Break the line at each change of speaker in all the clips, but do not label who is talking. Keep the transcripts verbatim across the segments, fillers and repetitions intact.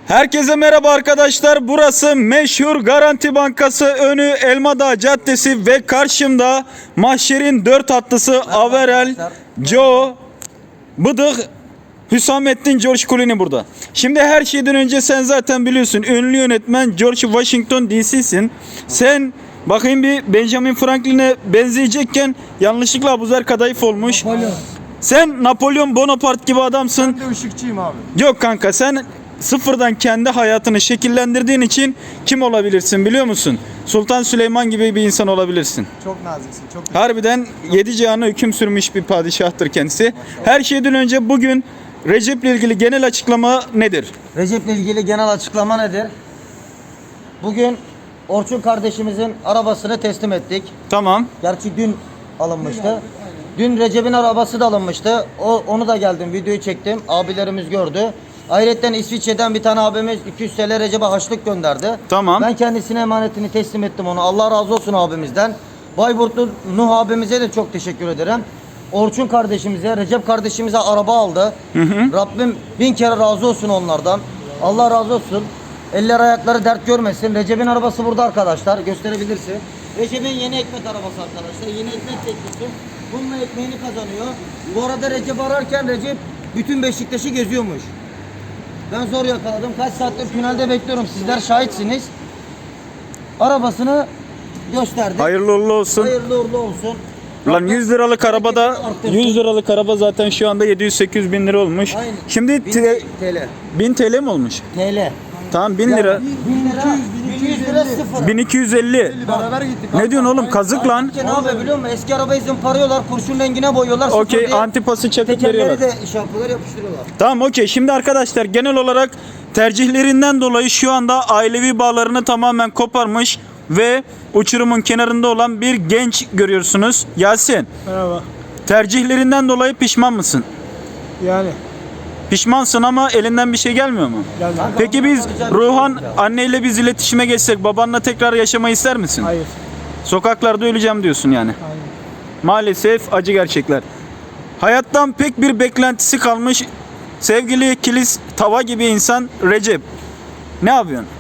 Herkese merhaba arkadaşlar. Burası meşhur Garanti Bankası önü Elmadağ Caddesi ve karşımda mahşerin dört atlısı Averel, Joe, Bıdık, Hüsamettin George Clooney burada. Şimdi her şeyden önce sen zaten biliyorsun ünlü yönetmen George Washington D C'sin. Sen bakayım bir Benjamin Franklin'e benzeyecekken yanlışlıkla Abuzer Kadayıf olmuş.
Napolyon.
Sen Napolyon Bonaparte gibi adamsın.
Ben de ışıkçıyım abi.
Yok kanka, sen sıfırdan kendi hayatını şekillendirdiğin için kim olabilirsin biliyor musun? Sultan Süleyman gibi bir insan olabilirsin.
Çok naziksin. Çok
Harbiden yedi cihana hüküm sürmüş bir padişahtır kendisi. Her şeyden önce bugün Recep'le ilgili genel açıklama nedir?
Recep'le ilgili genel açıklama nedir? Bugün Orçun kardeşimizin arabasını teslim ettik.
Tamam.
Gerçi dün alınmıştı. Dün Recep'in arabası da alınmıştı. O, onu da geldim, videoyu çektim. Abilerimiz gördü. Ayrıca İsviçre'den bir tane abimiz iki yüz T L Recep'e harçlık gönderdi.
Tamam.
Ben kendisine emanetini teslim ettim onu. Allah razı olsun abimizden. Bayburtlu Nuh abimize de çok teşekkür ederim. Orçun kardeşimize, Recep kardeşimize araba aldı.
Hı hı.
Rabbim bin kere razı olsun onlardan. Allah razı olsun. Eller ayakları dert görmesin. Recep'in arabası burada arkadaşlar. Gösterebilirsin. Recep'in yeni ekmek arabası arkadaşlar. Yeni ekmek teknisi. Bununla ekmeğini kazanıyor. Bu arada Recep ararken Recep bütün Beşiktaş'ı geziyormuş. Ben zor yakaladım. Kaç saattir tünelde bekliyorum. Sizler şahitsiniz. Arabasını gösterdi.
Hayırlı uğurlu olsun.
Hayırlı uğurlu olsun.
Lan yüz liralık arabada yüz liralık araba zaten şu anda yedi yüz sekiz yüz bin lira olmuş.
Aynen.
Şimdi
bin
te-
T L.
bin T L mi olmuş?
T L.
Tamam, bin lira.
bin lira. bin yüz lira sıfır.
bin iki yüz elli.
beraber gittik.
Ne diyorsun oğlum, kazık lan.
Ne yapıyor biliyor musun? Eski arabayı zımparıyorlar, kurşun rengine boyuyorlar. sıfır
Okey,
diye
antipası çakıp
tekerleri
veriyorlar.
de iş yapıyorlar, yapıştırıyorlar.
Tamam, okey. Şimdi arkadaşlar genel olarak tercihlerinden dolayı şu anda ailevi bağlarını tamamen koparmış ve uçurumun kenarında olan bir genç görüyorsunuz. Yasin,
Merhaba.
tercihlerinden dolayı pişman mısın?
Yani.
Pişmansın ama elinden bir şey gelmiyor mu?
Geldi.
Peki biz Ruhan anneyle biz iletişime geçsek babanla tekrar yaşamayı ister misin?
Hayır.
Sokaklarda öleceğim diyorsun yani.
Hayır.
Maalesef acı gerçekler. Hayattan pek bir beklentisi kalmış sevgili kilis tava gibi insan Recep. Ne yapıyorsun?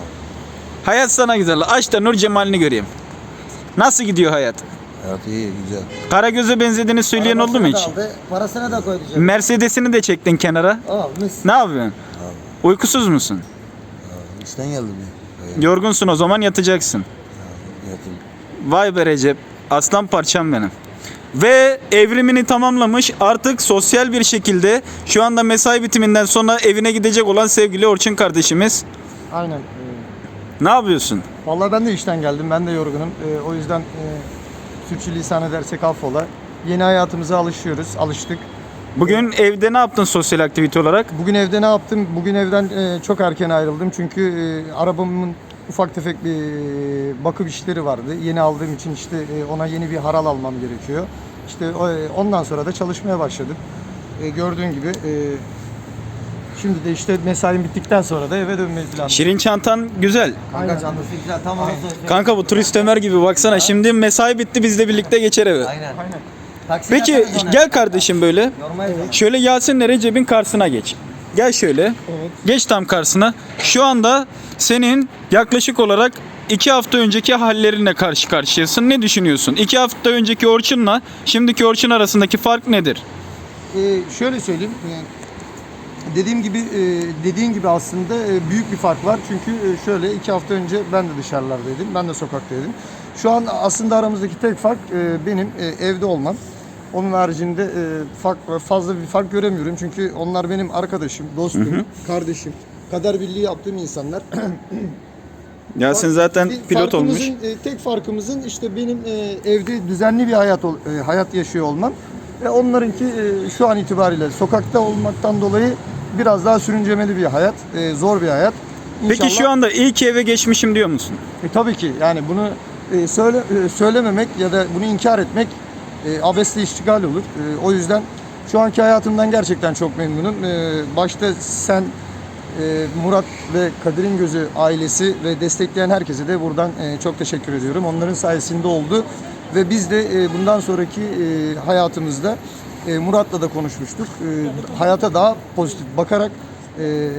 Hayat sana güzel. Aç da Nur Cemal'ini göreyim. Nasıl gidiyor hayat?
Hayat iyi, güzel.
Karagöz'e benzediğini söyleyen oldu mu
Arabasını
hiç?
da aldı, parasını da koydu. cebine.
Mercedes'ini de çektin kenara.
Aa, mis.
Ne yapıyorsun? Uykusuz musun?
İşten geldim ya.
Yorgunsun, o zaman yatacaksın.
Yatın.
Vay be Recep. Aslan parçam benim. Ve evrimini tamamlamış, artık sosyal bir şekilde şu anda mesai bitiminden sonra evine gidecek olan sevgili Orçun kardeşimiz.
Aynen. Ee,
Ne yapıyorsun?
Vallahi ben de işten geldim. Ben de yorgunum. Ee, o yüzden e, sürçülisan edersek affola. Yeni hayatımıza alışıyoruz. Alıştık.
Bugün evde ne yaptın sosyal aktivite olarak?
Bugün evde ne yaptım? Bugün evden e, çok erken ayrıldım. Çünkü e, arabamın ufak tefek bir e, bakım işleri vardı. Yeni aldığım için işte e, ona yeni bir haral almam gerekiyor. İşte o, e, ondan sonra da çalışmaya başladım. E, gördüğün gibi e, şimdi de işte mesaim bittikten sonra da eve dönmeyi planlıyorum.
Şirin çantan güzel.
Kanka canlısı güzel, tam onu söylüyorum.
Kanka bu turist Ömer gibi baksana. Şimdi mesai bitti, biz de birlikte geçer eve.
Aynen.
Aynen.
Taksi
Peki
yaparız ona.
gel kardeşim böyle.
Yormayız onu.
Şöyle Yasin'le Recep'in karşısına geç. Gel şöyle.
Evet.
Geç tam karşısına. Şu anda senin yaklaşık olarak iki hafta önceki hallerinle karşı karşıyasın. Ne düşünüyorsun? iki hafta önceki Orçun'la şimdiki Orçun arasındaki fark nedir?
Ee, şöyle söyleyeyim. e, Dediğim gibi e, dediğin gibi aslında e, büyük bir fark var. Çünkü e, şöyle iki hafta önce ben de dışarılardaydım. Ben de sokaktaydım. Şu an aslında aramızdaki tek fark e, benim e, evde olmam. Onun haricinde e, fark, fazla bir fark göremiyorum. Çünkü onlar benim arkadaşım, dostum, kardeşim. Kader birliği yaptığım insanlar.
Yasin zaten
Bir
pilot olmuş.
farkımızın, e, tek farkımızın işte benim e, evde düzenli bir hayat ol- e, hayat yaşıyor olmam ve onlarınki e, şu an itibariyle sokakta olmaktan dolayı biraz daha sürüncemeli bir hayat, e, zor bir hayat.
Peki
İnşallah-
şu anda iyi ki eve geçmişim diyor musun?
E, tabii ki yani bunu e, söyle e, söylememek ya da bunu inkar etmek e, abesle iştigal olur. E, o yüzden şu anki hayatımdan gerçekten çok memnunum. E, başta sen, e, Murat ve Kadir'in Gözü ailesi ve destekleyen herkese de buradan e, çok teşekkür ediyorum. Onların sayesinde oldu ve biz de e, bundan sonraki e, hayatımızda e, Murat'la da konuşmuştuk. E, hayata daha pozitif bakarak e,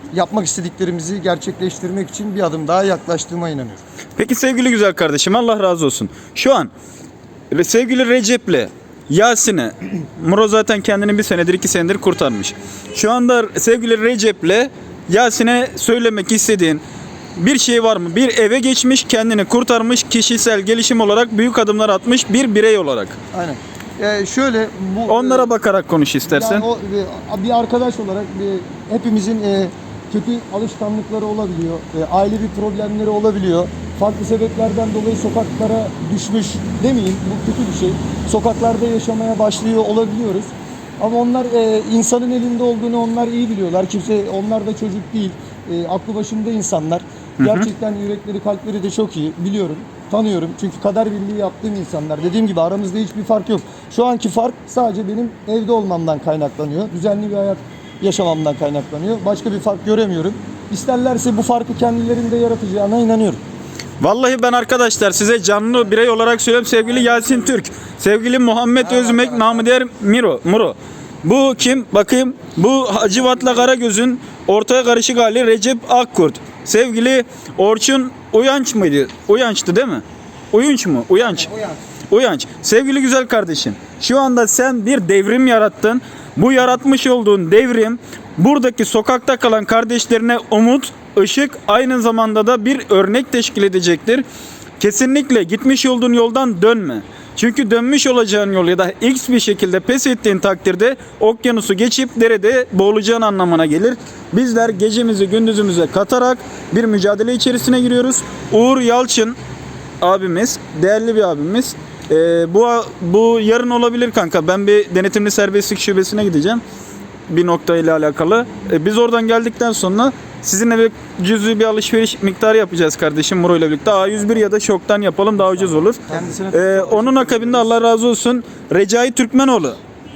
yapmak istediklerimizi gerçekleştirmek için bir adım daha yaklaştığıma inanıyorum.
Peki sevgili güzel kardeşim, Allah razı olsun. Şu an re- sevgili Recep'le Yasin'e, Muro zaten kendini bir senedir iki senedir kurtarmış. Şu anda sevgili Recep'le Yasin'e söylemek istediğin bir şey var mı? Bir eve geçmiş, kendini kurtarmış, kişisel gelişim olarak büyük adımlar atmış bir birey olarak.
Aynen. Ee, şöyle bu
Onlara bakarak konuş istersen.
Yani o e, bir arkadaş olarak bir, hepimizin e, kötü alışkanlıkları olabiliyor. E, ailevi problemleri olabiliyor. Farklı sebeplerden dolayı sokaklara düşmüş demeyeyim. Bu kötü bir şey. Sokaklarda yaşamaya başlıyor olabiliyoruz. Ama onlar e, insanın elinde olduğunu onlar iyi biliyorlar. Kimse onlar da çocuk değil. E, aklı başında insanlar. Gerçekten yürekleri, kalpleri de çok iyi. Biliyorum, tanıyorum. Çünkü kader birliği yaptığım insanlar. Dediğim gibi aramızda hiçbir fark yok. Şu anki fark sadece benim evde olmamdan kaynaklanıyor. Düzenli bir hayat yaşamamdan kaynaklanıyor. Başka bir fark göremiyorum. İsterlerse bu farkı kendilerinde yaratacağına inanıyorum.
Vallahi ben arkadaşlar size canlı birey olarak söylüyorum, sevgili Yasin Türk, sevgili Muhammed Özmek, namı diğer Miro, Muro. Bu kim? Bakayım. Bu Hacivat'la Karagöz'ün ortaya karışık hali Recep Akkurt. Sevgili Orçun Uyanç mıydı? Uyanç'tı değil mi? Uyunç mu? Uyanç.
Uyanç.
Uyanç. Sevgili güzel kardeşim, şu anda sen bir devrim yarattın. Bu yaratmış olduğun devrim buradaki sokakta kalan kardeşlerine umut, ışık, aynı zamanda da bir örnek teşkil edecektir. Kesinlikle gitmiş olduğun yoldan dönme. Çünkü dönmüş olacağın yol ya da X bir şekilde pes ettiğin takdirde okyanusu geçip derede boğulacağın anlamına gelir. Bizler gecemizi gündüzümüze katarak bir mücadele içerisine giriyoruz. Uğur Yalçın abimiz, değerli bir abimiz. Ee, bu bu yarın olabilir kanka. Ben bir denetimli serbestlik şubesine gideceğim. Bir nokta ile alakalı. Ee, biz oradan geldikten sonra sizinle bir cüzi bir alışveriş miktarı yapacağız kardeşim Muro ile birlikte. A yüz bir ya da şoktan yapalım, daha ucuz olur. Ee, onun akabinde Allah razı olsun Recai Türkmenoğlu.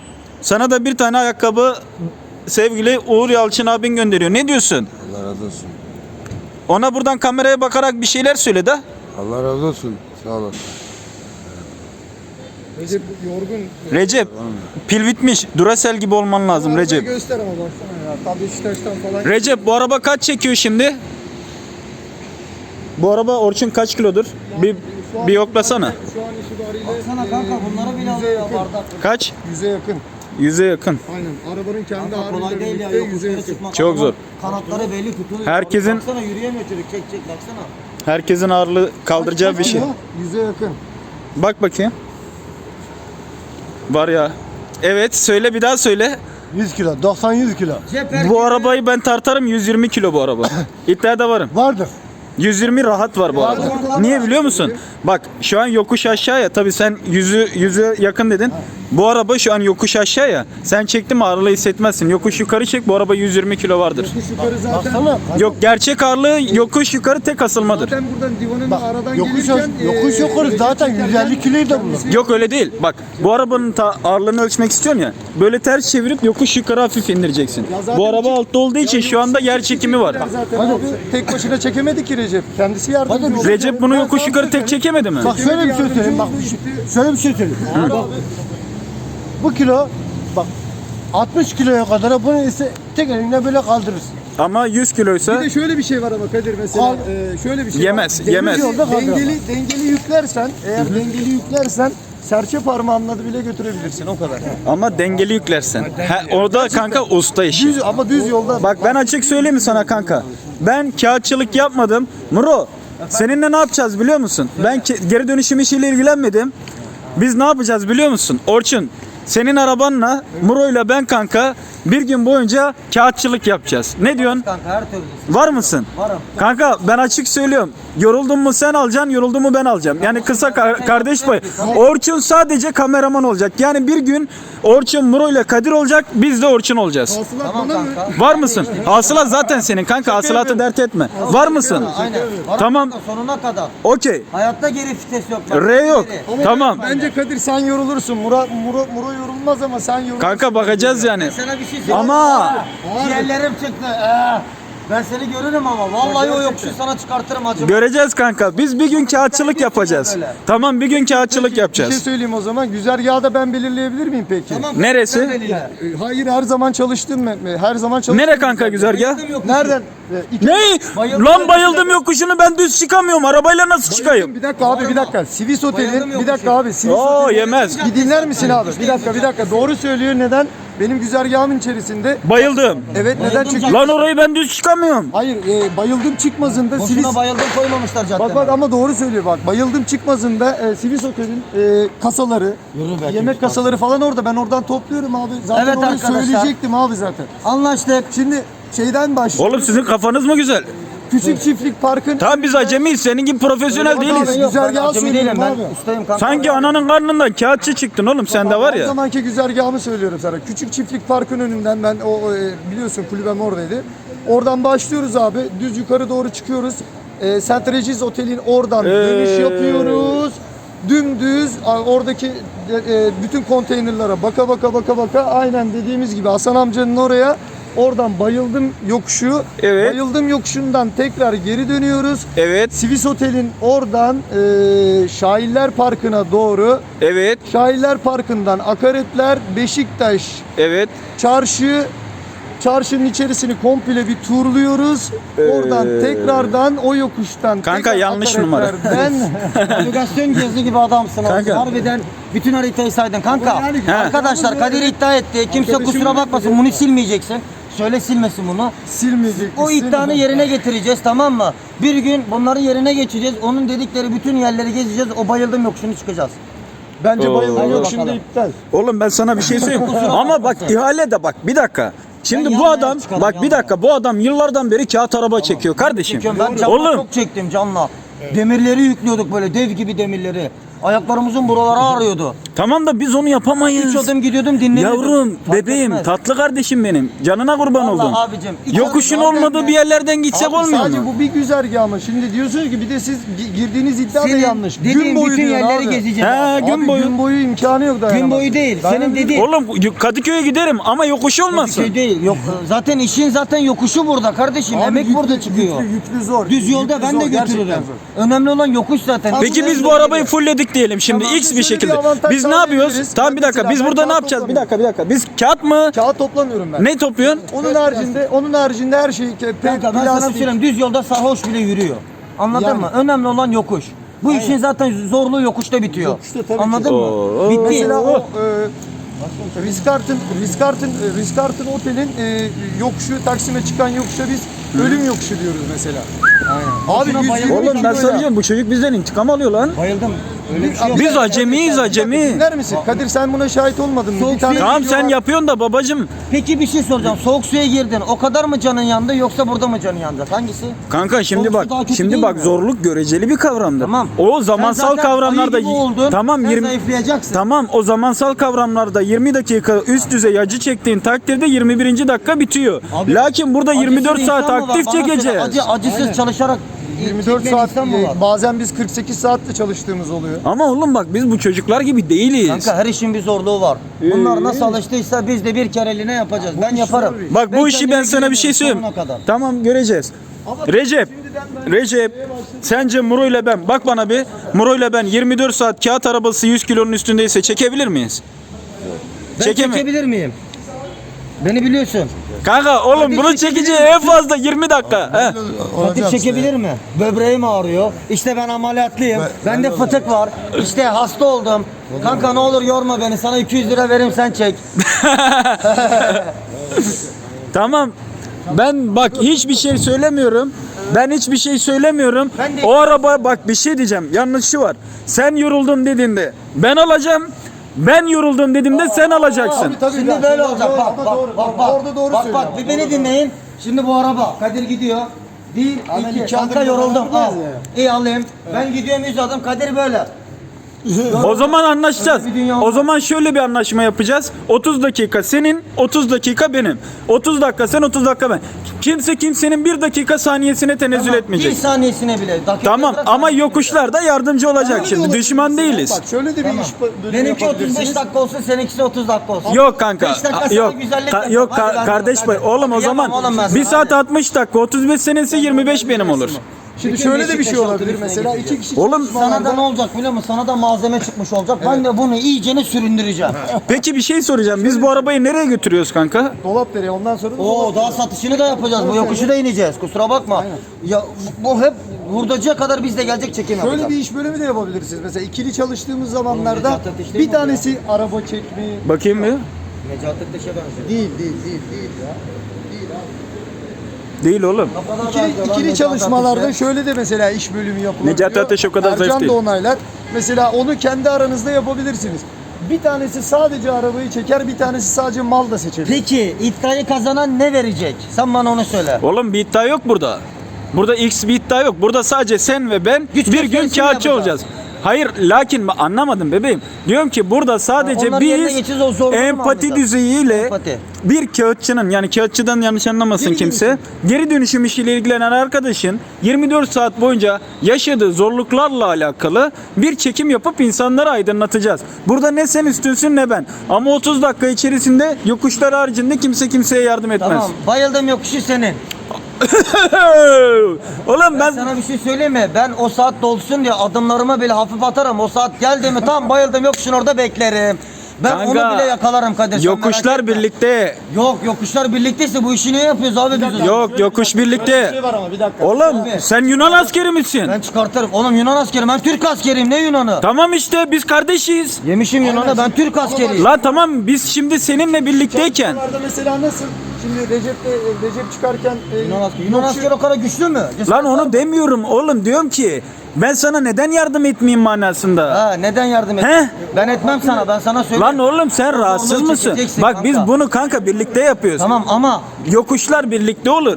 Sana da bir tane ayakkabı sevgili Uğur Yalçın abin gönderiyor. Ne diyorsun?
Allah razı olsun.
Ona buradan kameraya bakarak bir şeyler söyle de.
Allah razı olsun. Sağ olasın.
Recep yorgun.
Recep, pil bitmiş. Duracell gibi olman lazım Recep.
Göster ama baksana ya. Tabii Beşiktaş'tan falan.
Recep, bu araba kaç çekiyor şimdi? Bu araba Orçun kaç kilodur? Bir
Şu an-
bir yoklasana.
Şu an itibariyle
Baksana kanka bunları bile
yüze
alıyor ya
yakın.
bardak.
Kaç?
Yüze yakın.
Yüze yakın.
Aynen. Arabanın kendi
Kanka kolay
ağırlığıyla
değil ya
birlikte yüze
yokuşlara
yakın.
çıkmak.
Çok
Adamın
zor.
Kanatları belli tutuluyor.
Herkesin-
Baksana yürüyemiyor çocuk, çek çek baksana.
Herkesin ağırlığı kaldıracağı bir şey.
Yüze yakın.
Bak bakayım. Var ya. Evet, söyle, bir daha söyle.
yüz kilo. doksan yüz kilo.
Cep herkese-
Bu arabayı ben tartarım, yüz yirmi kilo bu araba. İddiada varım.
Vardır.
yüz yirmi rahat var bu arada. Niye biliyor musun? Bak şu an yokuş aşağı ya. Tabii sen yüzü yüze yakın dedin. Bu araba şu an yokuş aşağı ya. Sen çektin mi ağırlığı hissetmezsin. Yokuş yukarı çek, bu araba yüz yirmi kilo vardır.
Yokuş yukarı zaten. Baksana.
Yok, gerçek ağırlığı yokuş yukarı tek asılmadır.
Zaten buradan divanın aradan
Yokuş, yokuş
e,
yukarı zaten yüz elli kiloyu da bulur.
Yok öyle değil. Bak bu arabanın ta ağırlığını ölçmek istiyorsun ya. Böyle ters çevirip yokuş yukarı hafif indireceksin.
zaten
Bu araba
iki-
altta olduğu için şu anda yer çekimi var.
Zaten abi tek başına çekemedi ki Recep. Kendisi yardımcı oldu.
Recep bunu yokuş yukarı tek çekemedi mi?
Bak şöyle bir şey söyleyeyim bak. Şöyle bir şey söyleyeyim. Bak, bu kilo bak altmış kiloya kadar bunu ise tek elinle böyle kaldırırsın.
Ama yüz kiloysa
Bir de şöyle bir şey var ama Kadir mesela
Al.
e, şöyle bir şey
Yemez,
var.
yemez.
Dengeli,
Yolda kaldır
dengeli, dengeli yüklersen eğer dengeli yüklersen serçe parmağınla da bile götürebilirsin o kadar.
ama dengeli yüklersen. Ha, orada kanka usta işi.
Düz ama düz yolda
Bak ben açık söyleyeyim mi sana kanka? Ben kağıtçılık yapmadım. Muro, seninle ne yapacağız biliyor musun? Ben ke- geri dönüşüm işiyle ilgilenmedim. Biz ne yapacağız biliyor musun? Orçun, senin arabanla Muro'yla ben kanka bir gün boyunca kağıtçılık yapacağız. Ne diyorsun?
Kanka her türlü.
Var mısın?
Varım.
Kanka ben açık söylüyorum. Yoruldun mu sen alacaksın, yoruldun mu ben alacağım. Yani kısa ka- kardeş payı. Orçun sadece kameraman olacak. Yani bir gün Orçun Muro ile Kadir olacak, biz de Orçun olacağız.
hasılat
Tamam
bana mı?
kanka.
Var mısın? Hasılat zaten senin kanka. Hasılatı dert etme. Var mısın?
Aynen. Varım
Tamam.
kanka, sonuna kadar.
Okey.
Hayatta geri vites yok. bak.
R yok.
Geri.
Ama
Tamam.
Bence Kadir sen yorulursun. Muro, Muro, Muro yorulmaz ama sen yorulursun.
Kanka bakacağız yani.
Sana bir şey söyleyeyim.
Ama
Ciğerlerim çıktı. Ee. Ben seni görürüm ama vallahi o yokuşu sana çıkartırım acaba.
Göreceğiz kanka. Biz bir gün kağıtçılık yapacağız.
Böyle.
Tamam bir gün kağıtçılık
Bir şey
yapacağız.
söyleyeyim o zaman. Güzergahı da ben belirleyebilir miyim peki?
Tamam.
Neresi?
sen belirle.
E, Hayır, her zaman çalıştım ben. Her zaman çalıştım.
Nere kanka güzergah?
Bayıldım yokuşu.
Nereden? E, iki-
Ne?
Bayıldım.
Lan bayıldım yokuşunu ben düz çıkamıyorum. Arabayla nasıl çıkayım?
Bir dakika abi, bir dakika. Sivis
Bayıldım
Otel'in, bir
yokuşu.
dakika abi. Sivis
Oo
Otel'in-
yemez.
Bir dinler misin abi? Bir dakika, bir dakika. Doğru söylüyor. Neden? Benim güzergahımın içerisinde.
Bayıldım.
Evet, neden?
Bayıldım
Çünkü
canım.
Lan orayı ben düz çıkamıyorum.
hayır, e, bayıldım çıkmazında Sivis.
Boşuna bayıldım koymamışlar caddeme.
Bak bak ama doğru söylüyor bak. Bayıldım çıkmazında e, Sivis Otel'in e, kasaları,
Yürü be,
yemek
kim
kasaları falan orada. Ben oradan topluyorum abi. Zaten
Evet
orayı
arkadaşlar.
söyleyecektim abi zaten.
Anlaştık.
Şimdi şeyden başlıyor.
Oğlum sizin kafanız mı güzel?
Küçük Çiftlik Park'ın
Tamam biz acemiyiz. Senin gibi profesyonel
Öyle bak
değiliz.
abi.
Yok, ben
Güzergahı
acemi değilim
söylüyorum
ben
abi.
ustayım kanka.
Sanki ananın karnından kağıtçı çıktın oğlum sende var
Her
ya.
zamanki güzergahımı söylüyorum sana. Küçük Çiftlik Park'ın önünden ben o e, biliyorsun kulübem oradaydı. Oradan başlıyoruz abi. Düz yukarı doğru çıkıyoruz. E, Saint Regis Otel'in oradan
Ee.
dönüş yapıyoruz. Dümdüz a, oradaki e, e, bütün konteynerlara baka baka baka baka aynen dediğimiz gibi Hasan amcanın oraya oradan bayıldım yokuşu.
Evet.
Bayıldım yokuşundan tekrar geri dönüyoruz.
Evet.
Sivis Otel'in oradan e, Şairler Parkı'na doğru
Evet.
Şairler Parkı'ndan Akaretler, Beşiktaş,
Evet.
Çarşı, çarşının içerisini komple bir turluyoruz. Oradan tekrardan o yokuştan
Kanka,
tekrar
yanlış numara.
Akaretler'den
Navigasyon gezi gibi adamsın.
Kanka.
Harbiden bütün haritayı saydın kanka.
Ama yani-
Arkadaşlar Kadir iddia etti. Kimse
Arkadaşım
kusura
dedi.
bakmasın. Bunu silmeyeceksin. Söyle silmesin bunu.
silmeyecek.
O iddianı yerine getireceğiz tamam mı? Bir gün bunları yerine geçeceğiz. Onun dedikleri bütün yerleri gezeceğiz. O bayıldım yokuşunu çıkacağız.
Bence
Oo.
bayıldım
Hadi
yokuşunda
bakalım.
iptal.
Oğlum ben sana bir şey söyleyeyim. Ama bak ihale de bak bir dakika. Şimdi
Ben
bu
yanmaya
adam
çıkarım,
bak bir
yanmaya.
dakika bu adam yıllardan beri kağıt araba çekiyor kardeşim.
Çekiyorum. Ben canla
Oğlum
çok çektim canla. Demirleri yüklüyorduk böyle dev gibi demirleri. Ayaklarımızın buraları ağrıyordu.
tamam da biz onu
Üç
yapamayız.
adım gidiyordum dinleniyordum.
Yavrum,
Fark
bebeğim,
etmez.
tatlı kardeşim benim. Canına kurban
Vallahi
oldum.
abicim, iki
Yokuşun
adım
olmadığı
zaten
bir yerlerden gitsek
Abi
olmuyor
sadece
mu?
bu bir güzergah ama şimdi diyorsunuz ki bir de siz gi- girdiğiniz iddia da
Senin
yanlış.
dediğin
Gün boyu
bütün
diyorsun
yerleri
abi.
gezeceğiz.
He,
abi.
gün
Abi
boyu.
gün boyu imkanı yok dayanamaz.
Gün boyu değil. Senin
Dayanabilir.
dediğin
Oğlum Kadıköy'e giderim ama yokuş olmasın.
şey değil. Yok zaten işin zaten yokuşu burada kardeşim.
Abi
Emek
yüklü-
burada çıkıyor.
Yüklü, yüklü zor.
Düz yolda
Yüklü
ben
zor,
de
gerçekten
götürürüm.
zor.
Önemli olan yokuş zaten.
Peki biz bu arabayı fullledik diyelim şimdi
Tamam,
X
biz
bir
şöyle bir
şekilde.
avantaj
Biz ne yapıyoruz?
sağlayabiliriz.
Tamam bir dakika
Mesela
biz
ben
burada ne
kağıt
yapacağız? Bir
toplamıyorum.
dakika bir dakika. Biz kağıt mı?
Kağıt toplamıyorum ben.
Ne topluyorsun?
Onun haricinde, onun haricinde her şey pe-
Kanka ben sana bir
plastik.
söyleyeyim. Düz yolda sarhoş bile yürüyor. Anladın
Yani.
mı? Önemli olan yokuş. Bu işin zaten zorluğu yokuşta bitiyor.
Yokuşta tabii ki.
Anladın mı?
Oo.
Bitti.
Mesela o e, Rizkart'ın Rizkart'ın e, Rizkart'ın otelin e, yokuşu Taksim'e çıkan yokuşa biz ölüm yokuşu diyoruz mesela. Abi
Boşuna
yüz
bayıldım.
yirmi
Oğlum ben
kiloyla-
sana diyeceğim bu çocuk bizden intikam alıyor lan.
Bayıldım. Öyle bir şey yok.
Biz acemiyiz acemi.
Dinler misin? Kadir sen buna şahit olmadın mı?
Soğuk
Bir tane
suya-
Tamam
video
sen
var.
yapıyorsun da babacım.
Peki bir şey soracağım. Soğuk suya girdin. O kadar mı canın yandı yoksa burada mı canın yandı? Hangisi?
Kanka şimdi
Sonuçta
bak
daha kötü
şimdi
değil
bak
mi?
zorluk göreceli bir kavramdır.
Tamam.
O zamansal
Sen zaten
kavramlarda
ayı gibi oldun.
tamam
Sen
yirmi
zayıflayacaksın.
Tamam o zamansal kavramlarda yirmi dakika üst düzey acı çektiğin takdirde yirmi birinci dakika bitiyor.
Abi,
Lakin burada
Acısız
yirmi dört saat
insan mı var?
aktif
Bana söyle,
çekeceğiz.
Acı, acısız çalışarak
yirmi dört
çekmeyen
saat
insan mı var?
e, bazen biz kırk sekiz saatte çalıştığımız oluyor.
Ama oğlum bak biz bu çocuklar gibi değiliz.
Kanka her işin bir zorluğu var. Bunlar nasıl alıştıysa biz de bir kereliğine yapacağız. Ben yaparım.
Bak bu işi ben
kendimi
sana bir şey
güveniyorum
söyleyeyim.
sonuna kadar.
Tamam göreceğiz. Recep, Recep, sence Muro ile ben, bak bana bir, Muro ile ben yirmi dört saat kağıt arabası yüz kilonun üstündeyse çekebilir miyiz?
Ben
Çekeme-
çekebilir miyim? Beni biliyorsun.
Kanka oğlum
Hadi
bunu
çekebilir
çekeceği en fazla yirmi dakika. He.
Kadir çekebilir mi? Böbreğim ağrıyor. İşte ben ameliyatlıyım. Bende fıtık var. İşte hasta oldum. Kanka ne olur yorma beni. Sana iki yüz lira veririm sen çek.
Tamam. Ben bak hiçbir şey söylemiyorum. Ben hiçbir şey söylemiyorum.
Ben de-
O araba bak bir şey diyeceğim. Yanlışı var. Sen yoruldun dediğinde ben alacağım. Ben yoruldum dediğimde sen alacaksın.
Tabii, tabii,
Şimdi
ya.
böyle
Orada
olacak. Bak
doğru,
bak bak bak.
orada doğru
bak,
söylüyor.
bak bir beni dinleyin. Şimdi bu araba Kadir gidiyor. Bir,
Hemen
iki,
iki
kanka
adım
yoruldum.
daha
Al.
ya.
İyi alayım. Ben gidiyorum yüz adım. Kadir böyle.
O zaman anlaşacağız.
Öyle bir dünya
O
olmaz.
zaman şöyle bir anlaşma yapacağız. otuz dakika senin, otuz dakika benim. otuz dakika sen, otuz dakika ben. Kimse kimsenin bir dakika saniyesine tenezzül
Tamam,
etmeyecek.
Bir saniyesine bile. dakika
Tamam
bırak,
ama
saniyesine
yokuşlarda yardımcı olacak
Şöyle de
şimdi.
olabilir
Düşman
mesela.
değiliz.
Bak şöyle de bir
Tamam.
iş bölümü
Benimki otuz beş
yapabilirsiniz.
dakika olsun, seninkisi otuz dakika olsun.
Yok kanka.
beş dakika
a-
sana
Yok.
güzellik
Ka-
yapalım.
yok
Hadi
ka-
lan,
kardeş
hadi.
pay. Oğlum o
Yapamam
zaman
oğlum ben
bir
sana,
saat
hadi.
altmış dakika, otuz beş senesi yirmi beş benim olur.
Şimdi
Bütün
şöyle de bir
Beşiktaş
şey
altı
olabilir
üstüne
mesela iki
getireceğiz.
kişi
Oğlum,
Sana da
çalışmalarda-
ne olacak biliyor musun? Sana da malzeme çıkmış olacak. Ben de bunu iyicene süründüreceğim.
Peki bir şey soracağım. Biz bu arabayı nereye götürüyoruz kanka?
dolap nereye ondan sonra da
Oo
dolap
daha satışını da yapacağız. Bu yokuşu da ineceğiz. Kusura bakma. Ya bu bu hep hurdacıya kadar biz de gelecek çekim
Şöyle
yapacağız.
bir iş bölümü de yapabilirsiniz. Mesela ikili çalıştığımız zamanlarda
Necati Ateş değil mi
bir
bu ya?
tanesi araba çekmeyi
Bakayım bir.
Necati Ateş'e benziyor.
değil değil değil değil ya.
Değil oğlum.
İkili, ikili çalışmalarda şöyle de mesela iş bölümü yapılabiliyor.
Necati Ateş o kadar zayıf
Ercan
değil.
da onaylar. Mesela onu kendi aranızda yapabilirsiniz. Bir tanesi sadece arabayı çeker, bir tanesi sadece mal da seçebilir.
Peki iddiayı kazanan ne verecek? Sen bana onu söyle.
Oğlum bir iddia yok burada. Burada X bir iddia yok. Burada sadece sen ve ben
Güç
bir gün
gösterisi
kağıtçı
yapacağız.
olacağız. Hayır lakin ben anlamadım bebeğim. Diyorum ki burada sadece
onların yerine
biz
geçeceğiz, o zorluğu mu
empati
anlayacağız?
düzeyiyle
Empati.
bir kağıtçının yani kağıtçıdan yanlış anlamasın
Geri
kimse. Geri dönüşüm işiyle ilgilenen arkadaşın yirmi dört saat boyunca yaşadığı zorluklarla alakalı bir çekim yapıp insanları aydınlatacağız. Burada ne sen üstünsün ne ben. Ama otuz dakika içerisinde yokuşlar haricinde kimse kimseye yardım etmez.
Tamam. Bayıldım yokuşu senin.
Oğlum ben
Sana bir şey söyleyeyim mi? Ben o saat dolsun diye adımlarımı bile hafif atarım. O saat geldi mi tam bayıldım yokuşun orada beklerim. Ben
Kanka,
onu bile yakalarım Kadir. sen merak
yokuşlar
etme.
birlikte.
Yok yokuşlar birlikteyse bu işi niye yapıyoruz abi biz o zaman?
Yok yokuş birlikte.
var ama bir dakika.
Oğlum
Abi.
sen Yunan askeri misin?
Ben çıkartırım. Oğlum Yunan askeri. Ben Türk askeriyim. Ne Yunan'ı?
Tamam işte biz kardeşiz.
Yemişim Yunan'ı. Ben Türk askeriyim.
La tamam biz şimdi seninle birlikteyken.
Çalışmalarda mesela nasıl? Şimdi Recep de, Recep çıkarken e,
Yunan askeri. Yunan
yokuşu-
askeri o kadar güçlü mü?
Lan onu demiyorum oğlum diyorum ki ben sana neden yardım etmeyeyim manasında.
Ha neden yardım et?
He?
Ben etmem sana. Ben sana söyleyeyim.
Lan oğlum sen rahatsız
Zorluğu
mısın?
çekeceksin
Bak biz
kanka.
bunu kanka birlikte yapıyoruz.
Tamam ama.
Yokuşlar birlikte olur.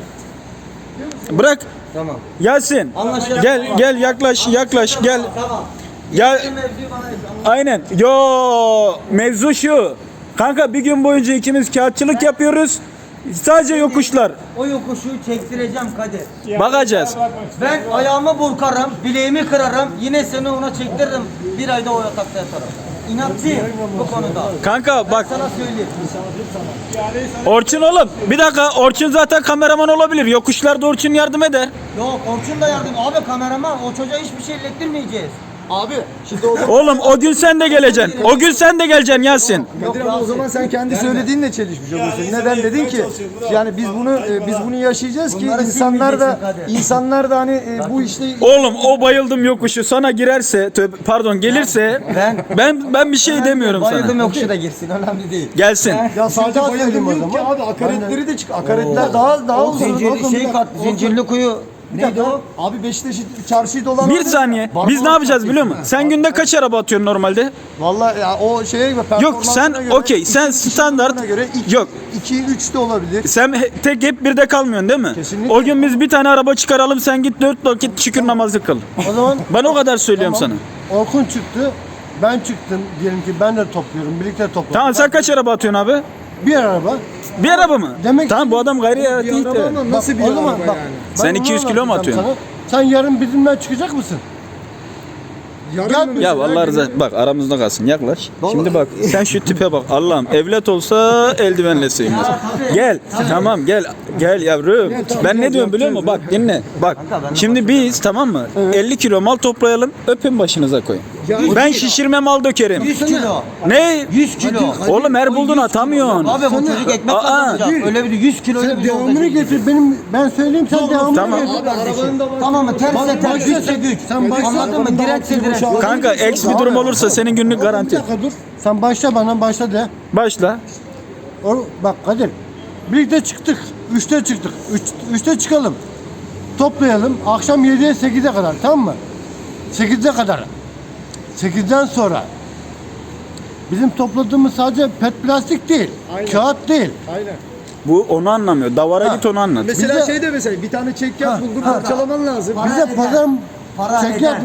Bırak
Tamam.
Yasin.
Anlaşıldı.
Gel gel yaklaş yaklaş gel.
Tamam.
Ya
Mevzuyu bana-
aynen. Yo mevzu şu. Kanka bir gün boyunca ikimiz kağıtçılık yapıyoruz. Sadece yokuşlar.
O yokuşu çektireceğim Kadir.
Bakacağız.
Ben ayağımı burkarım, bileğimi kırarım, yine seni ona çektiririm. Bir ayda o yatakta yatarım. İnatçıyım bu konuda.
Kanka bak
Sana söyleyeyim.
Orçun oğlum. Bir dakika Orçun zaten kameraman olabilir. Yokuşlarda Orçun yardım eder.
Yok Orçun da yardım. Abi kameraman o çocuğa hiçbir şey ilettirmeyeceğiz.
Abi şimdi o zaman,
Oğlum o gün sen de geleceksin. O gün sen de geleceksin Yasin.
Kadir abi, o zaman sen kendi söylediğinle çelişmiş oluyorsun. Neden dedin ki? Yani biz bunu e, biz bunu yaşayacağız ki
Bunları
insanlar da
silmeyeceksin Kadir.
insanlar da hani e, bu işte
Oğlum o bayıldım yokuşu sana girerse tövbe- pardon gelirse
Ben-
ben ben bir şey demiyorum
Bayıldım
sana.
yokuşu da girsin önemli değil.
Gelsin.
ya sadece
daha
bayıldım
söyleyeyim o
yok ki
zaman.
abi akaretleri de çık. Akaretler daha daha uzun.
Zincirli
Oğlum,
şey
bir
kat,
dakika,
zincirli kuyu.
Bir
Neydi
dakika.
o?
Abi Beşiktaş'ı çarşıyı dolan.
Bir saniye. Biz ne yapacağız biliyor musun? Sen günde kaç araba atıyorsun normalde?
Vallahi ya o şeye göre
Yok sen
göre,
okey sen
iki-
standart
göre iki,
yok.
iki üç de olabilir.
Sen he- tek hep birde kalmıyorsun değil mi?
Kesinlikle.
O gün biz bir tane araba çıkaralım sen git dört vakit şükür namazı kıl.
O zaman
Ben o kadar söylüyorum
Tamam.
sana.
Orkun çıktı. Ben çıktım. Diyelim ki ben de topluyorum. Birlikte topluyoruz.
Tamam sen kaç araba atıyorsun abi?
Bir araba.
Bir araba mı?
Demek
tamam
ki-
bu adam gayri hayati
Bir araba ama nasıl bir
o zaman
araba
bak,
yani?
ben
Sen
onu
iki yüz kilo mu
anlatacağım
atıyorsun?
sana. Sen yarın bizimle çıkacak mısın?
Yarın mı
Ya
mesela
vallahi
günü-
rıza- bak aramızda kalsın yaklaş. Şimdi bak sen şu tipe bak Allah'ım evlat olsa eldivenle sığmaz. Gel tamam gel gel yavrum. Ben ne diyorum biliyor musun? Bak dinle. Bak şimdi biz tamam mı? elli kilo mal toplayalım öpün başınıza koyun. Ben şişirme mal dökerim.
yüz kilo.
Ne?
yüz kilo.
Oğlum her buldun atamıyorsun.
Abi bu çocuk ekmek
Aa,
kazanacak. Öyle bir yüz kilo öyle
Sen
bir yolda
devamını
çekecek.
getir. Benim ben söyleyeyim sen devamını
Tamam.
getir.
Tamam mı? Terse
Bak-
ters,
başla
güçse
sen-
güç.
sen başla.
Anladın mı? Dirençse direnç.
Kanka eks bir durum olursa senin günlük
Bir
garanti.
dakika dur. Sen başla bana başla de.
Başla.
O, bak Kadir. Birlikte çıktık. Üçte çıktık. Üç, üçte çıkalım. Toplayalım. Akşam yediye sekize kadar tamam mı? Sekizde kadar. Sekizden sonra bizim topladığımız sadece pet plastik değil. Kağıt değil.
Aynen.
Bu onu anlamıyor. Davara
Ha.
git onu anlat.
Mesela
Bize-
şey de mesela bir tane çekyat
Ha,
buldun
ha.
parçalaman lazım.
Para
Bize
eder.
pazar
Para
çekyat
eder.
var.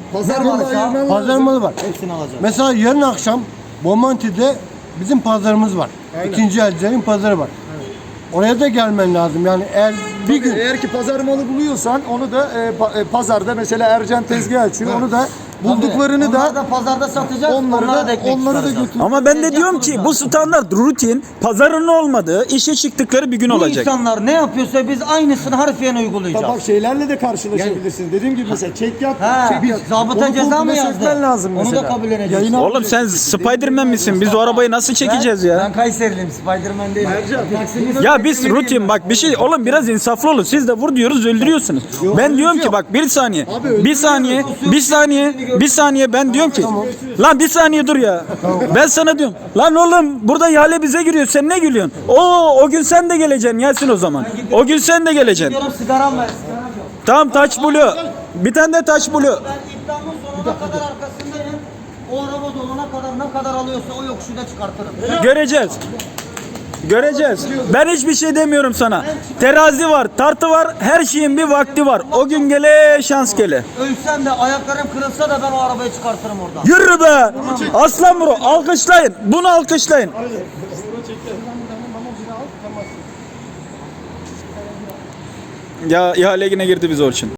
Pazar
Ne
malı
varsa
ayırman
Pazar
lazım.
malı var.
hepsini alacağım.
Mesela yarın akşam Bomonti'de bizim pazarımız var.
Aynen.
İkinci elcilerin pazarı var. Oraya da gelmen lazım. Yani eğer bir
Bir
gün
eğer ki pazar malı buluyorsan onu da e, pa- e, pazarda mesela Ercan tezgah açıyor. Onu da bulduklarını
Onları
da
da pazarda satacağız.
onları
onlara
da
ekmek
onları da
çıkaracağız.
götür.
Ama ben de
Tezgah
diyorum ki bu
kuracağız.
standart rutin pazarın olmadığı işe çıktıkları bir gün
Bu
olacak.
insanlar ne yapıyorsa biz aynısını harfiyen uygulayacağız.
Bak şeylerle de karşılaşabilirsin. Dediğim gibi mesela çekyat,
Ha,
çekyat.
zabıta
Onu
ceza mı
komple
yazdı?
sökmen lazım
Onu da
mesela.
kabul edeceksin.
Yayına
Oğlum sen
alacaksın.
Spiderman misin? Biz o arabayı nasıl çekeceğiz
Ben
ya?
Kayseriliyim, Spiderman değilim.
Ya biz rutin bak bir şey oğlum biraz insaflı olun. Siz de vur diyoruz öldürüyorsunuz. Ben diyorum ki bak bir saniye. Bir saniye. Bir saniye. Bir saniye ben diyorum ki. Lan bir saniye dur ya. Ben sana diyorum. Lan oğlum burada ihale bize giriyor. Sen ne gülüyorsun? Oo o gün sen de geleceksin Yasin o zaman. O gün sen de geleceksin.
Diyorum sigaram ver, sigaram yok.
Tamam taç blue. Bir tane de taç blue.
Ben iddiamın sonuna kadar arkasındayım. O araba dolana kadar ne kadar alıyorsa o yokuşu da çıkartırım.
Göreceğiz. Göreceğiz. Ben hiçbir şey demiyorum sana. Terazi var, tartı var, her şeyin bir vakti var. O gün gele şans gele.
Ölsem de ayaklarım kırılsa da ben o arabayı çıkartırım oradan.
Yürü be! Aslan bro, alkışlayın. Bunu alkışlayın. Ya ihale yine girdi biz için.